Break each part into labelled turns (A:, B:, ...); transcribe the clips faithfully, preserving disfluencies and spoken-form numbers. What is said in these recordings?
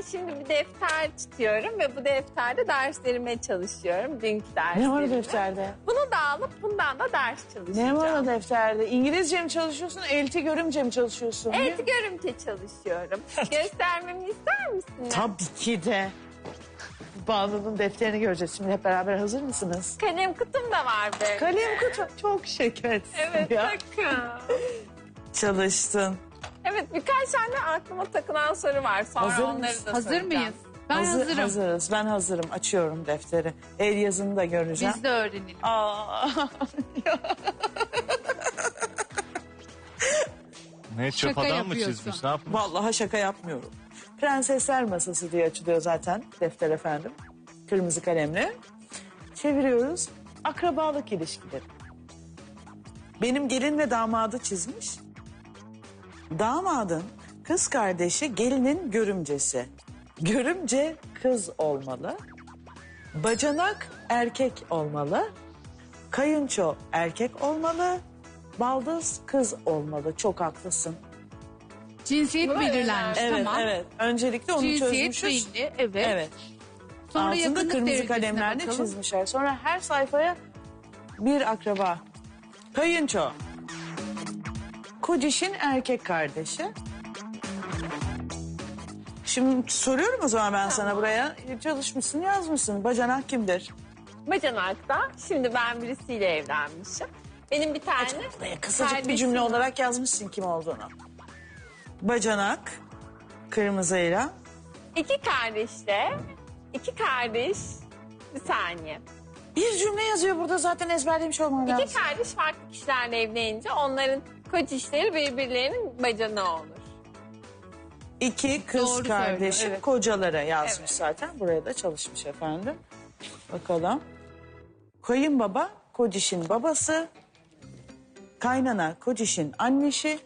A: şimdi bir defter tutuyorum ve bu defterde derslerime çalışıyorum. Dünkü derslerime.
B: Ne var o defterde?
A: Bunu da alıp bundan da ders çalışacağım.
B: Ne var o defterde? İngilizce mi çalışıyorsun, elti görümce mi çalışıyorsun?
A: Evet, görümce çalışıyorum. Göstermemi ister misiniz?
B: Tabii ki de. Banu'nun defterini göreceğiz. Şimdi hep beraber hazır mısınız?
A: Kalem kutum da var böyle.
B: Kalem kutu. Çok şeker.
A: Evet,
B: Ya.
A: bakın.
B: Çalıştın.
A: Evet, birkaç tane aklıma takılan soru var. Sonra
B: Hazır
A: onları
B: mısın?
A: da
C: Hazır
A: soracağım.
C: mıyız? Ben
B: Hazır-
C: hazırım.
B: Hazırız. Ben hazırım. Açıyorum defteri. El yazını da göreceğim.
C: Biz de öğrenelim.
B: Aa.
D: Ne çöp
C: Şaka
D: adam mı
C: yapıyorsun.
D: çizmiş? Ne yapmış?
B: Vallahi şaka yapmıyorum. Prensesler Masası diye açılıyor zaten defter efendim. Kırmızı kalemle. Çeviriyoruz. Akrabalık ilişkileri. Benim gelin ve damadı çizmiş. Damadın kız kardeşi gelinin görümcesi. Görümce kız olmalı. Bacanak erkek olmalı. Kayınço erkek olmalı. Baldız kız olmalı. Çok haklısın.
C: Cinsiyet
A: Böyle
C: belirlenmiş
B: Evet,
C: tamam.
B: evet. Öncelikle onu
C: Cinsiyet
B: çözmüşüz.
C: belli evet.
B: Evet.
C: Sonra
B: Altında
C: yakınlık
B: kırmızı
C: derecesine
B: kalemlerle
C: bakalım.
B: çizmişler. Sonra her sayfaya bir akraba. Kayınço. Kocişin erkek kardeşi. Şimdi soruyorum o zaman ben sana buraya. Çalışmışsın, yazmışsın. Bacanak kimdir?
A: Bacanak'ta. Şimdi ben birisiyle evlenmişim. Benim bir tane
B: Buraya kısacık bir
A: kardeşim
B: cümle
A: var.
B: olarak yazmışsın kim olduğunu. Bacanak, kırmızıyla.
A: İki kardeşle, iki kardeş, bir saniye.
B: Bir cümle yazıyor burada zaten ezberlemiş olman lazım.
A: İki kardeş farklı kişilerle evlenince onların kocişleri birbirlerinin bacanağı olur.
B: İki kız
C: Doğru
B: kardeşim
C: söylüyor, evet.
B: kocalara yazmış
A: Evet.
B: zaten. Buraya da çalışmış efendim. Bakalım. Kayınbaba kocişin babası. Kaynana kocişin annesi.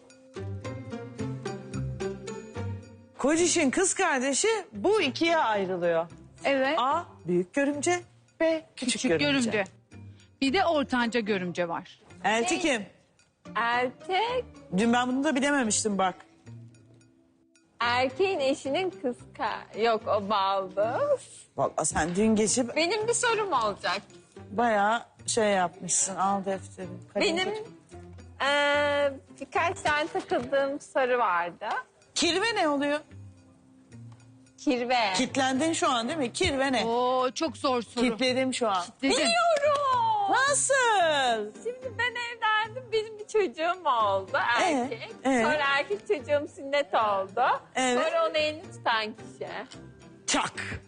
B: Kocişin kız kardeşi bu ikiye ayrılıyor.
C: Evet.
B: A büyük görümce, B küçük,
C: Küçük
B: görümce.
C: görümce. Bir de ortanca görümce var.
B: Elti kim?
A: Erkek,
B: Dün ben bunu da bilememiştim bak.
A: erkeğin eşinin kız ka- Yok, o baldız.
B: Vallahi sen dün geçip
A: Benim bir sorum olacak.
B: bayağı şey yapmışsın. Al defteri. kalem
A: Benim
B: tut.
A: eee, birkaç tane takıldığım soru vardı.
B: Kirve ne oluyor?
A: Kirve.
B: Kitlendin şu an değil mi? Kirve ne?
C: Oo çok zor soru.
B: Kitledim şu an.
C: Dedim.
A: Biliyorum.
B: Nasıl?
A: Şimdi ben evlendim, benim bir çocuğum oldu erkek.
B: ee?
A: Sonra erkek çocuğum sünnet oldu.
B: Evet.
A: Sonra onu elini tutan kişi.
B: Çak.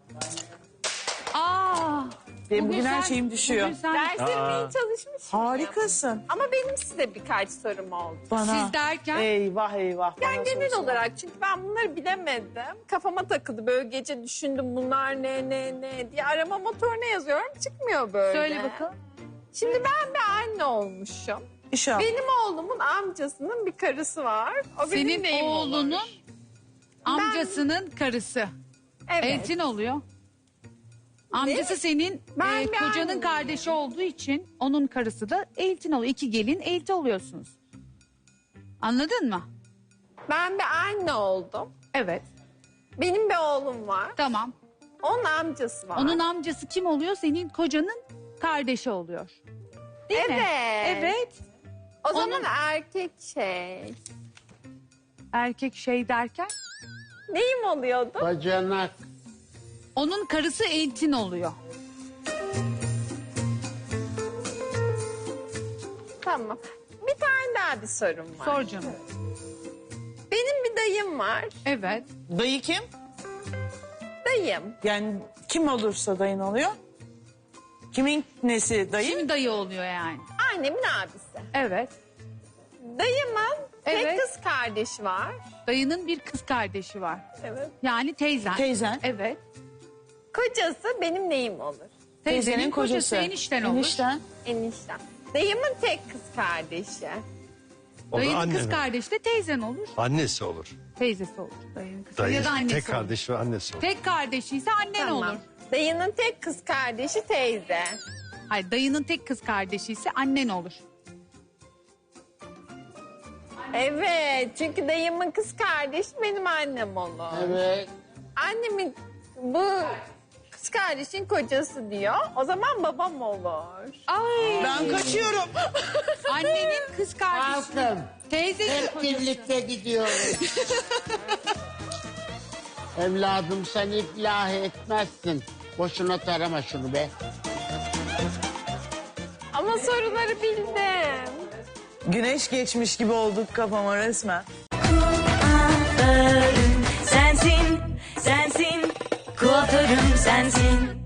C: Aa.
B: Benim bugün her
C: sen-
B: şeyim düşüyor.
C: bugün sen-
A: Derslerimi
D: Aa.
A: iyi çalışmış mıyım?
B: Harikasın.
A: Ama benim size birkaç sorum oldu.
B: Bana.
C: Siz derken?
B: Eyvah eyvah.
A: Yani
B: bana
A: genel
B: sorsun.
A: olarak, çünkü ben bunları bilemedim. Kafama takıldı, böyle gece düşündüm bunlar ne ne ne diye. Arama motoruna yazıyorum, çıkmıyor böyle.
C: Söyle bakalım.
A: Şimdi ben bir anne olmuşum.
B: İnşallah.
A: Benim oğlumun amcasının bir karısı var. O benim
C: Senin
A: neyim olur?
C: oğlunun amcasının karısı.
A: Evet.
C: Eltin oluyor. Amcası senin
A: Ben
C: e,
A: bir
C: kocanın
A: anneyim.
C: kardeşi olduğu için onun karısı da eltin oluyor. İki gelin elti oluyorsunuz. Anladın mı?
A: Ben bir anne oldum.
C: Evet.
A: Benim bir oğlum var.
C: Tamam.
A: Onun amcası var.
C: Onun amcası kim oluyor? Senin kocanın kardeşi oluyor. Değil mi?
A: Evet.
C: Evet.
A: O zaman
C: Onun-
A: erkek şey.
C: Erkek şey derken
A: Neyim oluyordu?
E: Bacanak.
C: onun karısı eltin oluyor.
A: Tamam. Bir tane daha bir sorum var.
C: Sor canım.
A: Benim bir dayım var.
C: Evet.
B: Dayı kim?
A: Dayım.
B: Yani kim olursa dayın oluyor. Kimin nesi dayı?
C: Kim dayı oluyor yani?
A: Annemin abisi.
C: Evet.
A: Dayımın
C: Evet.
A: tek kız kardeşi var.
C: Dayının bir kız kardeşi var.
A: Evet.
C: Yani teyzen.
B: Teyzen.
C: Evet.
A: Kocası benim neyim olur?
C: Teyzenin kocası enişten olur.
B: Enişten.
A: Eniştem. Dayımın tek kız kardeşi.
D: O da
C: Dayının
D: anne.
C: kız kardeşi de teyzen olur.
D: Annesi olur.
C: Teyzesi olur. Dayının kız
D: Dayı,
C: ya da annesi
D: tek
C: olur.
D: kardeş ve annesi olur.
C: Tek kardeşi ise annen
A: Tamam.
C: olur.
A: Dayının tek kız kardeşi teyze.
C: Hayır, dayının tek kız kardeşi ise annen olur.
A: Evet, çünkü dayımın kız kardeşi benim annem olur.
E: Evet.
A: Annemin bu kız kardeşin kocası diyor. O zaman babam olur.
C: Ay.
B: Ben kaçıyorum.
C: Annenin kız kardeşi.
E: Kalkın.
C: Teyzenin
E: Hep
C: kocası.
E: birlikte gidiyoruz. Evladım sen iflah etmezsin. Boşuna tarama şunu be.
A: Ama soruları bildim.
B: Güneş geçmiş gibi olduk kafama resmen.
F: Kuaförüm sensin, sensin. Kuaförüm sensin.